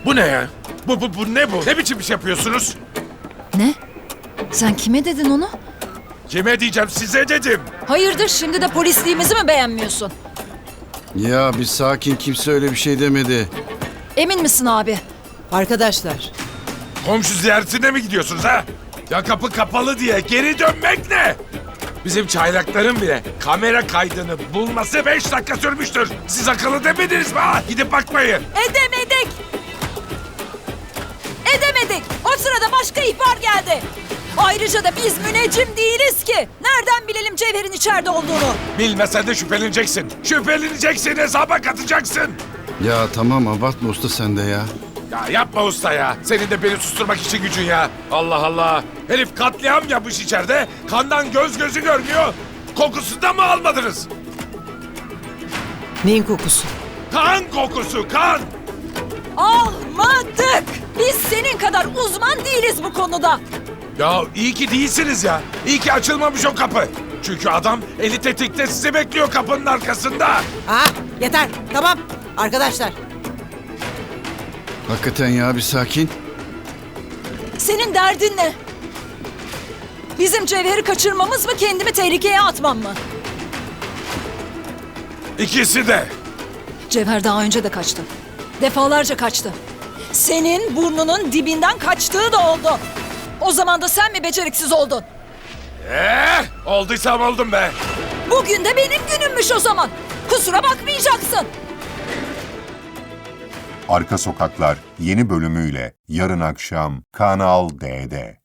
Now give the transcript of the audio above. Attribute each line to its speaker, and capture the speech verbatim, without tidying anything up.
Speaker 1: Bu ne ya? Bu, bu, bu ne bu? Ne biçim iş yapıyorsunuz?
Speaker 2: Ne? Sen kime dedin onu?
Speaker 1: Kime diyeceğim, size dedim.
Speaker 2: Hayırdır, şimdi de polisliğimizi mi beğenmiyorsun?
Speaker 3: Ya bir sakin, kimse öyle bir şey demedi.
Speaker 2: Emin misin abi?
Speaker 4: Arkadaşlar,
Speaker 1: Komşu ziyaretine mi gidiyorsunuz ha? Ya kapı kapalı diye geri dönmek ne? Bizim çaylakların bile kamera kaydını bulması beş dakika sürmüştür. Siz akıllı demediniz mi ha? Gidip bakmayın.
Speaker 2: Edemedik! Edemedik! O sırada başka ihbar geldi. Ayrıca da biz müneccim değiliz ki. Nereden bilelim Cevher'in içeride olduğunu?
Speaker 1: Bilmesen de şüpheleneceksin. Şüpheleneceksin, hesaba katacaksın.
Speaker 3: Ya tamam, abartma usta sen de ya.
Speaker 1: Ya yapma usta ya. Senin de beni susturmak için gücün ya. Allah Allah. Herif katliam yapmış içeride. Kandan göz gözü görmüyor. Kokusundan mı almadınız?
Speaker 4: neyin kokusu?
Speaker 1: Kan kokusu, kan.
Speaker 2: Almadık! Biz senin kadar uzman değiliz bu konuda.
Speaker 1: Ya iyi ki değilsiniz ya. İyi ki açılmamış o kapı. Çünkü adam eli tetikte sizi bekliyor kapının arkasında.
Speaker 4: Aa, yeter, tamam. Arkadaşlar,
Speaker 3: Hakikaten ya, bir sakin.
Speaker 2: Senin derdin ne? Bizim Cevher'i kaçırmamız mı, kendimi tehlikeye atmam mı?
Speaker 1: İkisi de.
Speaker 2: Cevher daha önce de kaçtı. Defalarca kaçtı. Senin burnunun dibinden kaçtığı da oldu. O zaman da sen mi beceriksiz oldun?
Speaker 1: Eh, olduysam oldum be.
Speaker 2: Bugün de benim günümmüş o zaman. Kusura bakmayacaksın.
Speaker 5: Arka Sokaklar yeni bölümüyle yarın akşam Kanal D'de.